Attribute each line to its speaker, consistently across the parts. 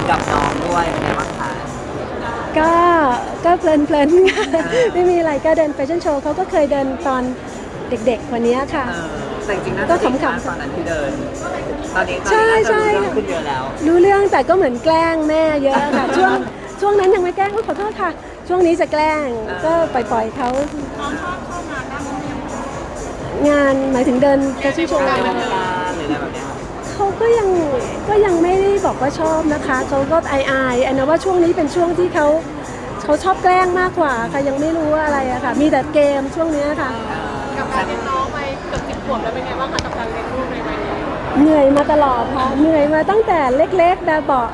Speaker 1: กับน้องด้วยเป็นไงบ้างคะ
Speaker 2: ก็ก็เพลินค่ะไม่มีอะไรก็เดินแฟชั่นโชว์เขาก็เคยเดินตอนเด็กๆกว่านี้ค่ะ
Speaker 1: แต่จริงๆน่า
Speaker 2: ก็
Speaker 1: จะดี
Speaker 2: ขำ
Speaker 1: นะตอนนั้นที่เดินตอนนี้
Speaker 2: ใช่
Speaker 1: น่าจะ
Speaker 2: ใช่
Speaker 1: รู้เรื่องขึ้นเยอะแล้ว
Speaker 2: รู้เรื่องแต่ก็เหมือนแกล้งแม่เยอะค่ะช่วงนั้นยังไม่แกล้งขอโทษค่ะช่วงนี้จะแกล้งก็ปล่อยเขางานหมายถึงเดินแฟชั่นโชว์
Speaker 1: ในวงการหรืออะไรแบบเนี้ยครับ
Speaker 2: เขาก็ยังไม่ได้บอกว่าชอบนะคะเขาก็อายอันนะว่าช่วงนี้เป็นช่วงที่เขาชอบแกล้งมากกว่าค่ะยังไม่รู้ว่าอะไรอะค่ะมีแต่เกมช่วงนี้ค่ะ
Speaker 3: กับการเลี้ยงน้องไปเกือบ10 ขวบแล้วเป็นไงบ้างคะกับการเลี้ยงลูกในวัยนี้
Speaker 2: เหนื่อยมาตลอดค่ะเหนื่อยมาตั้งแต่เล็กๆแบบเบาะ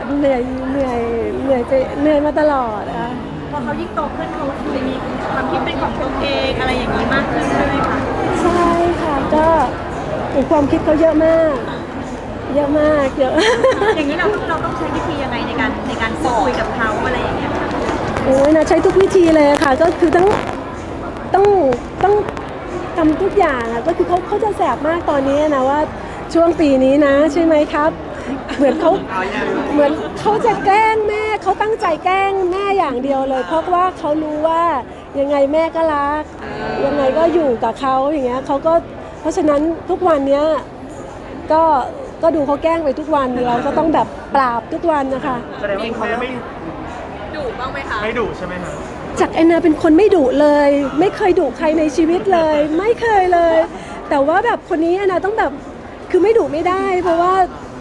Speaker 2: เหนื่อยมาตลอดค่ะ
Speaker 3: พอเขายิ่งโตขึ้นเขาจะมีความคิดเป็นของตัวเองอะไรอย่างนี้มากขึ้นใช่ไหมคะ
Speaker 2: ใช่ค่ะก็ความคิดเขาเยอะมากเยอะ
Speaker 3: อย่างนี้เราต้องใช้วิธียังไงในการพูดคุยกับเขาอะไรอย่างเงี้ย
Speaker 2: โอ้ยนะใช้ทุกวิธีเลยค่ะก็คือต้องทำทุกอย่างอะก็คือเขาจะแสบมากตอนนี้นะว่าช่วงปีนี้นะใช่ไหมครับ เหมือนเขาจะแกล้งแม่เขาตั้งใจแกล้งแม่อย่างเดียวเลย เพราะว่าเขารู้ว่ายังไงแม่ก็รักยังไงก็อยู่กับเขาอย่างเงี้ยเขาก็เพราะฉะนั้นทุกวันเนี้ยก็ดูเขาแกล้งไปทุกวันเราก็ต้องแบบปราบทุกวันนะคะ
Speaker 1: แสดงว่าเขาไม่
Speaker 3: ดุบ้างไหมคะ
Speaker 4: ไม่ดุใช่ไหมคะ
Speaker 2: จากแอนนาเป็นคนไม่ดุเลย ไม่เคยดุใครในชีวิตเลย ไม่เคยเลย แต่ว่าแบบคนนี้แอนนาต้องแบบคือไม่ดุไม่ได้ เพราะว่า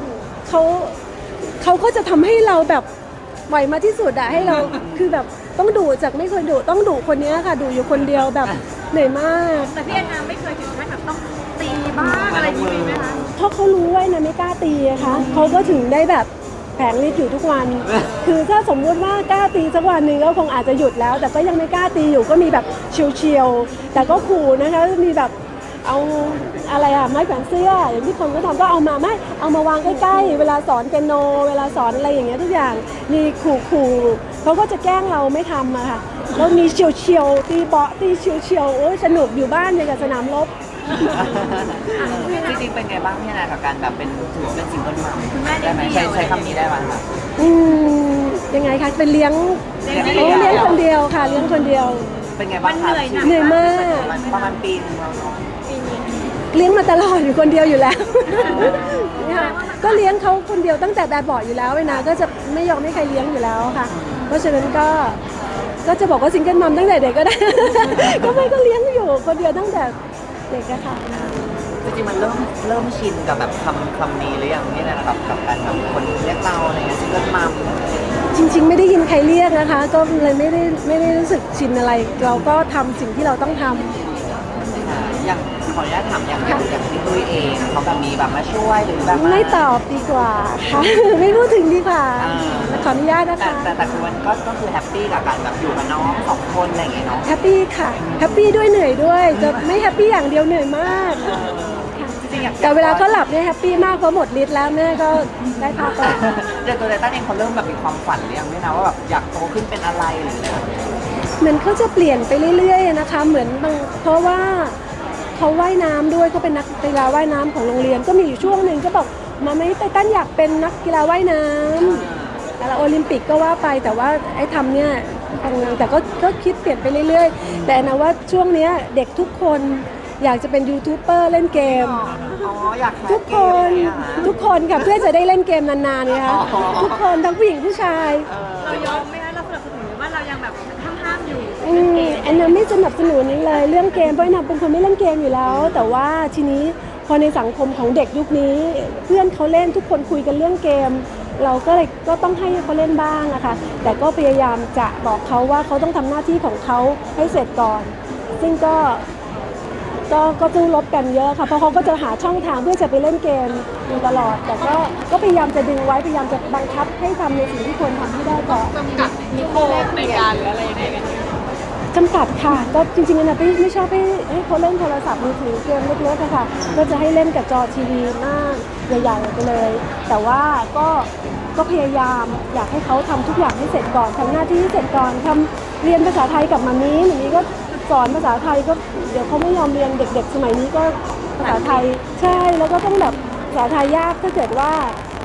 Speaker 2: เขาก็จะทำให้เราแบบไหวมาที่สุดอะให้เราคือแบบต้องดุจากไม่เคยดุต้องดุคนนี้ค่ะดุอยู่คนเดียวแบบเหนื่อยมาก
Speaker 3: แต่พี่แอนนาไม่เคยถึงขั้นแบบต้องตีบ้างอะไรอย่างนี้มีไหมคะ
Speaker 2: เพราะเขารู้ว่าแอนนาไม่กล้าตีอะคะเขาก็ถึงได้แบบแผงฤทธิ์อยู่ทุกวัน คือถ้าสมมุติว่ากล้าตีสักวันหนึ่งก็คงอาจจะหยุดแล้ว แต่ก็ยังไม่กล้าตีอยู่ก็มีแบบเฉียวๆแต่ก็ขู่นะคะมีแบบเอาอะไรอะไม้แขวนเสื้ออย่างที่คนก็ทำก็เอามเอามาวางใกล้ๆเวลาสอนเปียโนเวลาสอนอะไรอย่างเงี้ยทุกอย่างมีขู่เขาก็จะแกล้งเราไม่ทำอะค่ะแล้วมีเฉียวๆตีเบาะตีเฉียวๆโอ้ยสนุกอยู่บ้านอย่างกับสนามรบ
Speaker 1: จริงๆเป็นไงบ้างพี่นากับการแบบเป็นถือว่าเป็นซิงเกิลมัม
Speaker 3: คุณแม่
Speaker 1: ได้ไหม
Speaker 3: เดี่ยว
Speaker 1: ใช้คำนี้ได้ไหมคะ
Speaker 2: อืมยังไงคะเป็นเลี้ยงโอ้เลี้ยงคนเดียวค่ะเลี้ยงคนเดียว
Speaker 1: เป็นไงบ้างคะ
Speaker 2: เหนื่อยมาก
Speaker 1: ประมาณปีนึงแล้วเนาะ
Speaker 2: เลี้ยงมาตลอดอยู่คนเดียวอยู่แล้วเนี่ยก็เลี้ยงเขาคนเดียวตั้งแต่แบบเบาะอยู่แล้วเวนาก็จะไม่ยอมให้ใครเลี้ยงอยู่แล้วค่ะ เพราะฉะนั้นก็จะบอกว่าซิงเกิลมัมตั้งแต่เด็กก็ได้ ก็ไม่ก็เลี้ยงอยู่คนเดียวตั้งแต่เด็กอะค่ะ
Speaker 1: จริงๆมันเริ่มชินกับแบบคำนี้หรือยังนี่นะครับกับการแบบคนเรียกเราอะไรเงี้ยซิงเกิลมัม
Speaker 2: จริงๆไม่ได้ยินใครเรียกนะคะ ก็เลยไม่ได้รู้สึกชินอะไร เราก็ทำสิ่งที่เราต้องทำ
Speaker 1: อย่างขออนุญาตถามอย่างพี่ตุ้ยเองเขาแบบมีแบบมาช่วยหรือแบบ
Speaker 2: ไม่ตอบดีกว่าค่ะ ไม่พูดถึงดีกว่า ขออนุญาตนะ
Speaker 1: แต่
Speaker 2: คะ
Speaker 1: แต่คือมันก็คือแฮปปี้กับการแบบอยู่กับน้องสองคนอะไรอย่างเงี้ยเนาะ
Speaker 2: แฮปปี้ค่ะแฮปปี้ด้วยเหนื่อยด้วยจะไม่แฮปปี้อย่างเดียวเหนื่อยมาก
Speaker 1: จริงๆอยาก
Speaker 2: แต่เวลาเขาหลับเนี่ยแฮปปี้มากเพราะหมดฤทธิ์แล้วแม่ก็ได้พักแล้ว
Speaker 1: แต่ตัวไททันเองเขาเริ่มแบบมีความฝันหรือยังไม่นะว่าแบบอยากโตขึ้นเป็นอะไรหรืออะไรแบบนี้
Speaker 2: เหมือนเขาจะเปลี่ยนไปเรื่อยๆนะคะเหมือนบางเพราะว่าเขาว่ายน้ำด้วยเขาเป็นนักกีฬาว่ายน้ำของโรงเรียนก็มีอยู่ช่วงหนึ่งก็บอกมาไม่ไททันอยากเป็นนักกีฬาว่ายน้ำแล้วโอลิมปิกก็ว่าไปแต่ว่าไอ้ทำเนี่ยแต่ก็คิดเปลี่ยนไปเรื่อยๆแต่นะว่าช่วงเนี้ยเด็กทุกคนอยากจะเป็นยูทูบเบอร์เล่นเกม
Speaker 1: อ๋ออยากแคส
Speaker 2: ทุก
Speaker 1: เก
Speaker 2: ค
Speaker 1: มอะไร
Speaker 2: น
Speaker 1: อย่างเงี้ยค่ะ
Speaker 2: ทุกคนค่ะเพื่อจะได้เล่นเกมนานๆเนี่ยค่ะ
Speaker 1: อ๋อ
Speaker 2: ทุกคนทั้งผู้หญิงผู้ชาย
Speaker 3: เรายอมไหมคะเราสนับสนุนหรือว่าเรายังแบบห้ามอยู่
Speaker 2: แอนนาไม่สนับสนุนนี้เลยเรื่องเกมเพราะแอนนาเป็นคนไม่เล่นเกมอยู่แล้ว แต่ว่าทีนี้พอในสังคมของเด็กยุคนี้ เพื่อนเขาเล่นทุกคนคุยกันเรื่องเกม เราก็เลยก็ต้องให้เขาเล่นบ้างอะค่ะแต่ก็พยายามจะบอกเขาว่าเขาต้องทำหน้าที่ของเขาให้เสร็จก่อน ซึ่งก็สู้รบกันเยอะค่ะเพราะเขาก็จะหาช่องทางเพื่อจะไปเล่นเกมอยู่ตลอด แต่ก็พยายามจะดึงไว้พยายามจะบังคับให้ทำในสิ่งที่ควรทำให้ได้ก่อน
Speaker 3: จำกัดนิโคในการหรืออะไรยังไงกันเนี่ย
Speaker 2: จำกัดค่ะก็จริงๆนะไม่ชอบให้เขาเล่นโทรศัพท์มือถือเกมเล็กๆอะค่ะก็จะให้เล่นกับจอทีวีหน้าใหญ่ๆไปเลย แต่ว่าก็พยายามอยากให้เขาทำทุกอย่างให้เสร็จก่อนทำหน้าที่ให้เสร็จก่อนทำเรียนภาษาไทยกับมานี้อย่างนี้ก็สอนภาษาไทยก็เดี๋ยวเขาไม่ยอมเรียนเด็กๆสมัยนี้ก็ภาษาไทยใช่แล้วก็ต้องแบบภาษาไทยยากถ้าเกิดว่า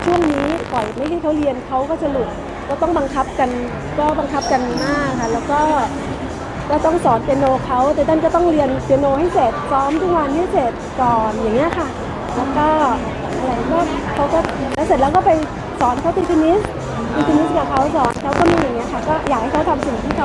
Speaker 2: ช่วงนี้ปล่อยไม่ให้เขาเรียนเขาก็จะหลุดก็ต้องบังคับกันมากค่ะแล้วก็ต้องสอนเปียโนเขาแต่ด้านก็ต้องเรียนเปียโนให้เสร็จซ้อมทุกวันให้เสร็จก่อนอย่างเงี้ยค่ะแล้วก็อะไรก็เขาก็แล้วเสร็จแล้วก็ไปสอนเขาตีเทนนิสกับเขาสอนเขาก็มีอย่างเงี้ยค่ะก็อยากให้เขาทำสิ่งที่เขา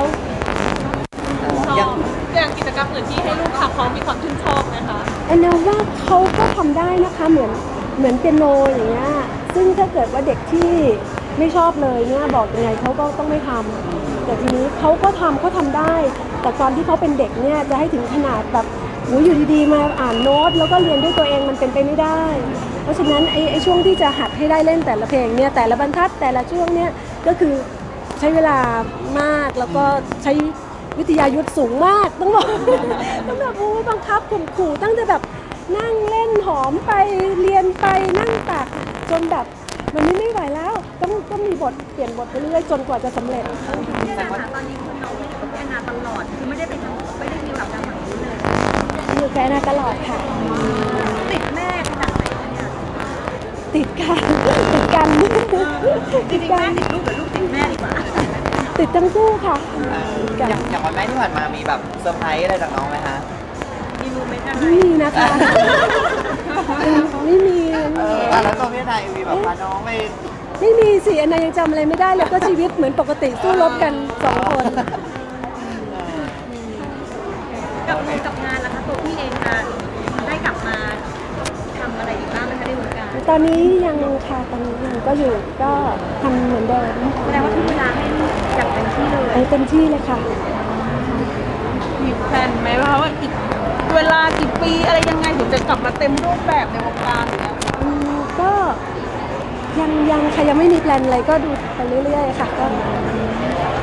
Speaker 4: อย่างกิจกรรมอื่นที่ให้ลูกทำเขามีความชื่นชอบไหมคะ
Speaker 2: แอนนาว่าเขาก็ทำได้นะคะเหมือนเปียโนอย่างเงี้ยซึ่งถ้าเกิดว่าเด็กที่ไม่ชอบเลยเนี่ยบอกยังไงเขาก็ต้องไม่ทำแต่ทีนี้เขาก็ทำได้ แต่ตอนที่เขาเป็นเด็กเนี่ยจะให้ถึงขนาดแบบโหอยู่ดีๆมาอ่านโน้ตแล้วก็เรียนด้วยตัวเองมันเป็นไปไม่ได้ เพราะฉะนั้นไอ้ช่วงที่จะหัดให้ได้เล่นแต่ละเพลงเนี่ยแต่ละบรรทัดแต่ละช่วงเนี่ยก็คือใช้เวลามากแล้วก็ใช้วิทยายุทธสูงมากต้องบอก ต้องแบบโอ้บังคับข่มขู่ตั้งแต่แบบนั่งเล่นหอมไปเรียนไปนั่งตักจนแบบมันไม่ไหวแล้วต้องมีบทเปลี่ยนบทไปเรื่อยจนกว่าจะสำเร็จ
Speaker 3: พี่แอนนาตอนนี้คือน้องไม่อยู่กับพี่แอนนาตลอดคือไม่ได้มีแบบการฝั่งนู้นเลย
Speaker 2: อยู่แกนาตลอดค่ะ
Speaker 3: ติดแม่ขนาดไหนคะเนี่ย
Speaker 2: ติดกันติดกัน
Speaker 3: จริงๆแม่ติดลูกหรือลูกติดแม่ดีกว่า
Speaker 2: ติดทั้งคู่ค่ะติดกัน
Speaker 1: อย่างวันแม่ที่ผ่านมามีแบบเซอร์ไพรส์อะไรจากน้องไหมคะ
Speaker 3: มีโมเมนต์อะไร
Speaker 2: ไม่มีนะคะไม่มี
Speaker 1: แล้วตัวพี่นายมีแบบพาน้องไป
Speaker 2: ไม่มีสิอันนายังจำอะไรไม่ได้เลยก็ชีวิตเหมือนปกติสู้รบกัน2 คน
Speaker 3: กับงานล่ะคะตัวพี่เองจะได้กลับมาทำอะไรอีกบ้างไหมคะในวงการ
Speaker 2: ตอนนี้ยังค่ะตอนนี้ยังก็อยู่ก็ทำเหมือนเดิม
Speaker 3: แสดงว่าทุกเวลาให้อย่างเต็มที่เลย
Speaker 2: เต็มที่เลยค่ะ
Speaker 4: มีแพลนไหมว่าอีกเวลากี่ปีอะไรยังไงถึงจะกลับมาเต็มรูปแบบในวงการอย่างเงี้ย
Speaker 2: ก็ยังค่ะยังไม่มีแพลนอะไรก็ดูไปเรื่อยๆค่ะก็